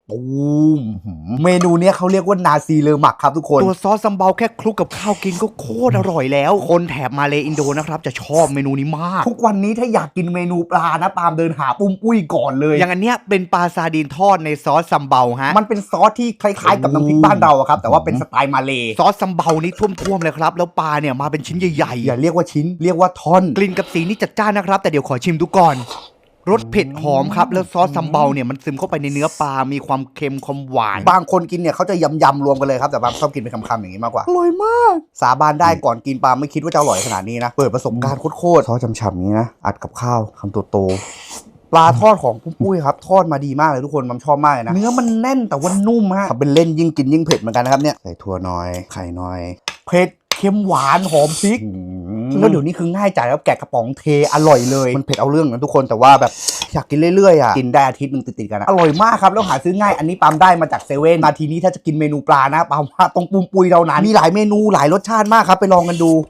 ตูมเมนูเนี้ยเขาเรียกว่านาซีเลอหมักครับทุกคนตัวซอสซัมเบาแค่คลุกกับข้าวกินก็โคตรอร่อยแล้วคนแถบมาเลอินโดนะครับจะชอบเมนูนี้มากทุกวันนี้ถ้าอยากกินเมนูปลานะปาล์มเดินหาปุ้มปุ้ยก่อนเลยอย่างอันเนี้ยเป็นปลาซาดีนทอดในซอสซัมเบาฮะมันเป็นซอสที่คล้ายๆกับน้ำพริกบ้านเราครับแต่ว่าเป็นสไตล์มาเลซอสซัมเบานี้ท่วมๆเลยครับแล้วปลาเนี่ยมาเป็นชิ้นใหญ่ๆอย่าเรียกว่าชิ้นเรียกว่าท่อนกลิ่นกับสีนี่จัดจ้านนะครับแต่เดี๋ยวขอชิมดูก่อนรสเผ็ดหอมครับแล้วซอสซัมเบาเนี่ยมันซึมเข้าไปในเนื้อปลามีความเค็มความหวานบางคนกินเนี่ยเขาจะยำรวมกันเลยครับแต่บางชอบกินเป็นคำๆอย่างนี้มากกว่าอร่อยมากสาบานได้ก่อนกินปลาไม่คิดว่าจะอร่อยขนาดนี้นะเปิดประสบการณ์โคตรซอสฉ่ำๆนี้นะอัดกับข้าวคำโตๆปลาทอดของปุ้ยครับทอดมาดีมากเลยทุกคนมันชอบมากเลยนะเนื้อมันแน่นแต่ว่านุ่มฮะทำเป็นเล่นยิ่งกินยิ่งเผ็ดเหมือนกันนะครับเนี่ยใส่ถั่วน้อยไข่น้อยเผ็ดเค็มหวานหอมพริกแล้วเดี๋ยวนี้คือง่ายจ่ายแล้วแกะกระป๋องเทอร่อยเลยมันเผ็ดเอาเรื่องนะทุกคนแต่ว่าแบบอยากกินเรื่อยๆกินได้อาทิตย์นึงติดๆกันอร่อยมากครับแล้วหาซื้อง่ายอันนี้ปาล์มได้มาจากเซเว่นนาทีนี้ถ้าจะกินเมนูปลานะปาล์มว่าต้องปุ้มปุยเท่านั้นมีหลายเมนูหลายรสชาติมากครับไปลองกันดู